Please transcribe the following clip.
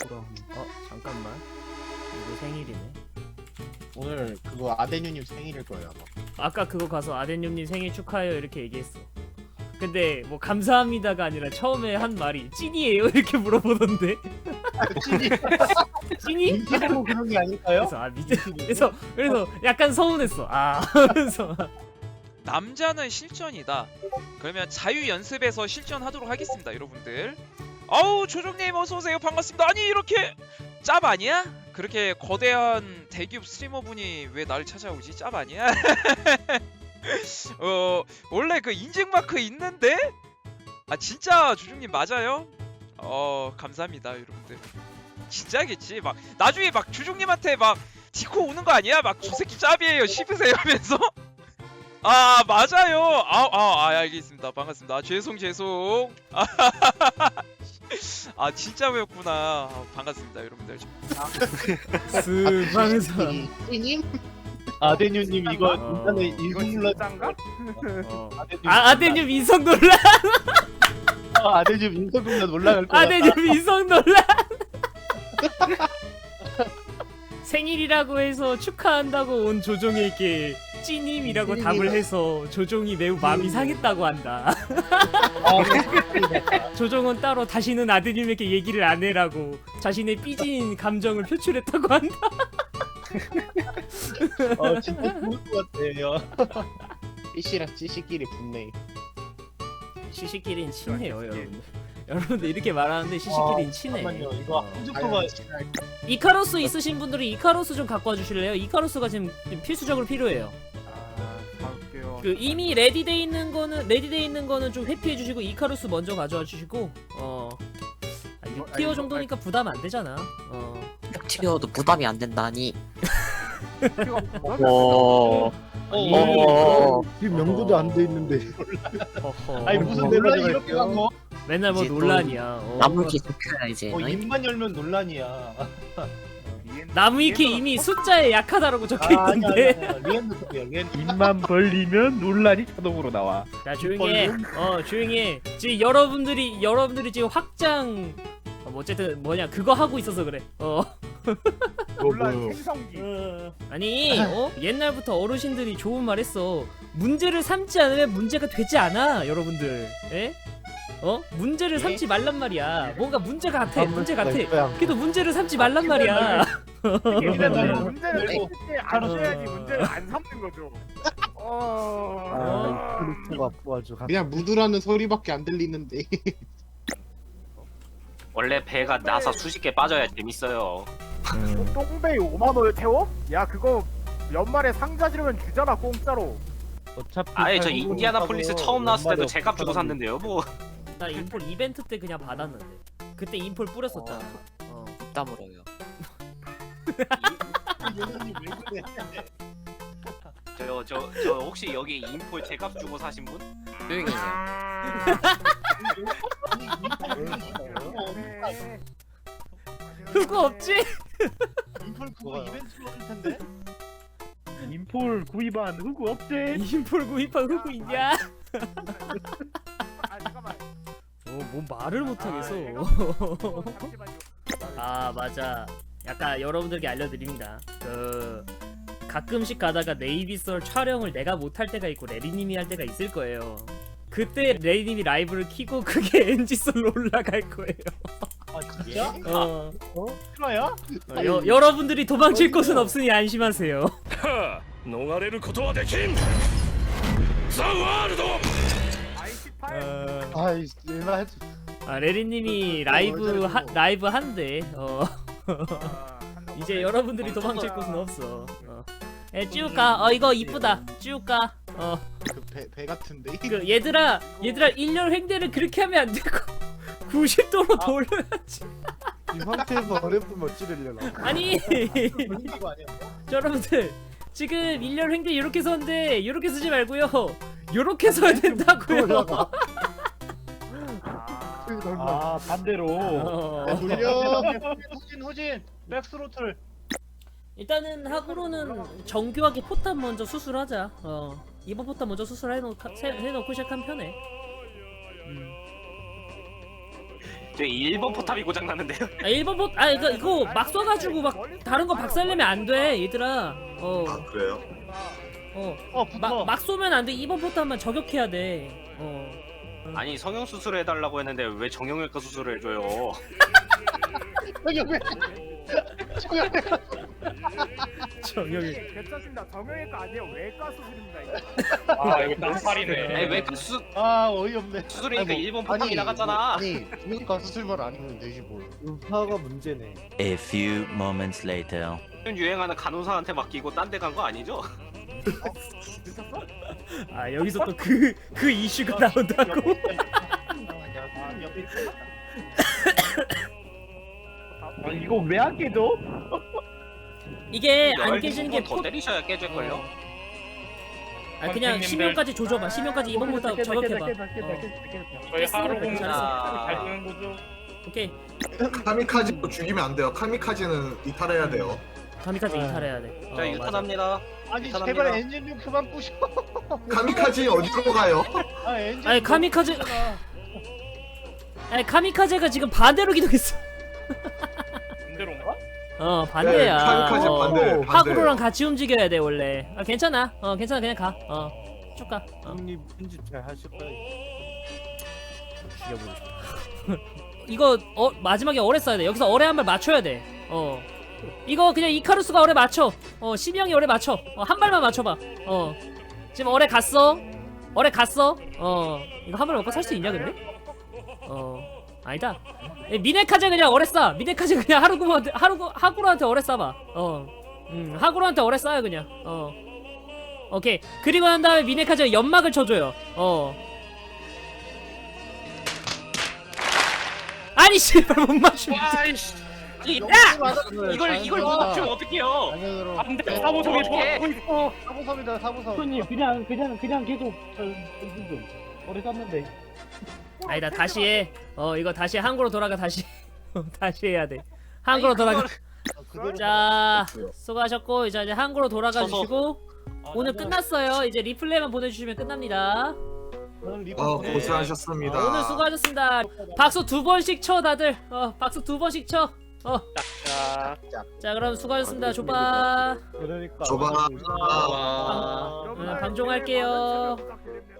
그럼. 잠깐만. 이거 생일이네. 오늘 그거 아데뉴님 생일일 거예요 아마. 아까 그거 가서 아덴님님 생일 축하해요 이렇게 얘기했어. 근데 뭐 감사합니다가 아니라 처음에 한 말이 찐이에요 이렇게 물어보던데. 찐이 찐이? 인기고 그런 게 아닐까요? 그래서 그래서 약간 서운했어. 그래서 남자는 실전이다. 그러면 자유 연습에서 실전하도록 하겠습니다, 여러분들. 아우 조정님 어서 오세요. 반갑습니다. 아니 이렇게 짭 아니야? 그렇게 거대한 대기업 스트리머분이 왜 나를 찾아오지? 짭 아니야? 원래 그 인증 마크 있는데? 아 진짜 조정님 맞아요? 감사합니다, 여러분들. 진짜겠지. 막 나중에 막 조정님한테 막 디코 오는 거 아니야? 막 저 새끼 짭이에요. 씹으세요 하면서. 아 맞아요. 알겠습니다. 반갑습니다. 죄송. 아 진짜였구나. 반갑습니다, 여러분들. 스방선. 찐님? 아데뉴님 이거 인터넷 이거 인증 눌러. 진짠가? 아덴님 인성 논란. 아데뉴 인터넷 눌러 올라갈 거야. 아덴님 인성 논란. 생일이라고 해서 축하한다고 온 조종에게 찌님이라고 답을 해서 조종이 매우 마음이 상했다고 한다. 조종은 따로 다시는 아드님에게 얘기를 안 해라고 자신의 삐진 감정을 표출했다고 한다. 진짜 좋을 것 같아요. 삐씨랑 찌씨끼리 붙네. 시시끼린 친해요, 여러분들. 여러분들 이렇게 말하는데 시시끼린 친해. 잠깐만요. 이거 한쪽도가 이카로스 있으신 분들이 이카로스 좀 갖고 와주실래요? 이카로스가 지금 필수적으로 필요해요. 갈게요. 그 이미 레디돼 있는 거는 좀 회피해 주시고 이카루스 먼저 가져와 주시고 6티어 정도니까 부담 안 되잖아. 튀어도 부담이 안 된다니. 지금 연구도 안 돼 있는데. 아니 무슨 논란이 이렇게 간 거? 맨날 뭐 이제 또 논란이야. 나무위키 좋겠다 이제. 입만 열면 논란이야. 나무위키 이미 숫자에 약하다라고 적혀 있던데. 리엔도 소리야. 리엔. 입만 벌리면 논란이 자동으로 나와. 자 조용히 해. 조용히 해. 지금 여러분들이 지금 확장 어쨌든 뭐냐 그거 하고 있어서 그래. 논란 생성기. 아니 옛날부터 어르신들이 좋은 말 했어. 문제를 삼지 않으면 문제가 되지 않아 여러분들. 예? 문제를 삼지 말란 말이야. 뭔가 문제 같아. 문제 같아. 그래도 문제를 삼지 말란 말이야. 문제를 문제를 때 알아야지 문제를 안 삼는 거죠. 크리스가 아주 그냥 무드라는 소리밖에 안 들리는데. 원래 배가 나사 수십 개 빠져야 재밌어요. 똥배 5만 원을 태워? 야 그거 연말에 상자 지르면 주잖아 공짜로. 어차피 아예 저 인디아나폴리스 처음 나왔을 때도 제값 주고 샀는데요. 뭐 나 인폴 이벤트 때 그냥 받았는데 그때 인폴 뿌렸었잖아. 땀으로요. 저 혹시 여기 인폴 제값 주고 사신 분? 조용히 해요. 그거 없지? 인풀 그거 이벤트로 할 텐데. 인폴 구입한 흑우 없지? 인폴 구입한 흑우 있냐? 아 잠깐만. 뭔 말을 못하겠어. 잠시만요. 맞아. 약간 여러분들께 알려드립니다. 가끔씩 가다가 네이비썰 촬영을 내가 못할 때가 있고 레리님이 할 때가 있을 거예요. 그때 레리님이 라이브를 키고 그게 NG썰로 올라갈 거예요. 아 진짜? 실화야? 여러분들이 도망칠 곳은 없으니 안심하세요. 逃れることはできんザ・ワールド I18. 아이 얘나 했. 레리님이 라이브 한대. 이제 여러분들이 도망칠 곳은 없어. 쭉 가. 이거 이쁘다. 쭉 가. 배 같은데. 그 얘들아 1년 횡대를 그렇게 하면 안 되고 90도로 돌려야지. 이 상태에서 어렵으면 어찌되려나? 아니 이거 아니야? 여러분들 지금 1년 횡대 이렇게 서는데 이렇게 쓰지 말고요. 요렇게 서야 된다고요. 반대로. 돌려. 후진 백스로틀. 일단은 하고로는 정교하게 포탑 먼저 수술하자. 이번 포탑 먼저 수술해놓고 시작한 편에. 저 1번 포탑이 고장 났는데요. 아 1번 포.. 아 이거 막 쏴가지고 막 다른 거 박살내면 안 돼 얘들아. 아 그래요? 막 쏘면 안 돼. 2번 포탑만 저격해야 돼. 아니 성형 수술을 해달라고 했는데 왜 정형외과 수술을 해줘요? 정형이. 괜찮습니다. 정형외과 아니에요. 외과 수술입니다. 이거. 아 이거 깜팔이네. 아니 외과 수술 아 어이없네. 수술이니까 1번 포탑이 나갔잖아. 아니 그러니까 수술만 아니면 되지 뭘. 음파가 문제네. A few moments later. 요즘 유행하는 간호사한테 맡기고 딴 데 간 거 아니죠? 아 여기서 또 그 이슈가 나온다고? 아 이거 왜 안 깨져? 이게 안 깨지는 게 더 때리셔야 깨질걸요? 아 그냥 심연까지 조져봐. 심연까지 2번 포탑 저격해봐. 저희 하루 깼으니까 공부 잘했어. 잘 쓰는 거죠? 오케이. 카미카즈도 죽이면 안 돼요. 카미카즈는 이탈해야 돼요. 가미까지 이탈해야 돼. 자 맞아. 유탄합니다. 아니 이탈합니다. 제발 엔진 좀 그만 부셔. 카미카즈 어디로 가요? 아 엔진. 아니 카미카제. 아니 카미카제가 지금 반대로 기동했어. 반대로인가? 반대야. 네, 카미카제 반대. 하구로랑 같이 움직여야 돼 원래. 아 괜찮아. 괜찮아 그냥 가. 쭉 가. 형님 편집 잘 하실 거예요. 죽여보고 싶다. 이거 마지막에 어뢰 쏴야 돼. 여기서 어뢰 한 발 맞춰야 돼. 이거 그냥 이카루스가 어뢰 맞춰. 심형이 어뢰 맞춰. 한 발만 맞춰봐. 지금 어뢰 갔어. 어뢰 갔어. 이거 한 발 먹고 살 수 있냐 근데? 아니다. 미네카제 그냥 어뢰 쏴. 미네카제 그냥 하구로한테 어뢰 쏴봐. 하구로한테 어뢰 쏴요 그냥. 오케이. 그리고 난 다음에 미네카제 연막을 쳐줘요. 아니 씨발 못 맞추면. 와이씨. 이걸 못 맞추면 어떡해요? 방향으로. 안돼 사보성이 어떡해. 보고 있어. 사보섬이다 사보섬. 손님 그냥 계속 좀 오래 쌌는데. 아니다 다시 해. 이거 다시 한국으로 돌아가 다시. 다시 해야 돼. 한국으로 돌아가. 자 수고하셨고 이제 한국으로 돌아가 서서. 주시고 오늘 끝났어요. 이제 리플레이만 보내주시면 끝납니다. 고생하셨습니다. 오늘 수고하셨습니다. 박수 2번씩 쳐 다들. 박수 2번씩 쳐. 자 그럼 수고하셨습니다. 조바. 그러니까. 줘봐. 방종할게요. 부탁드립니다.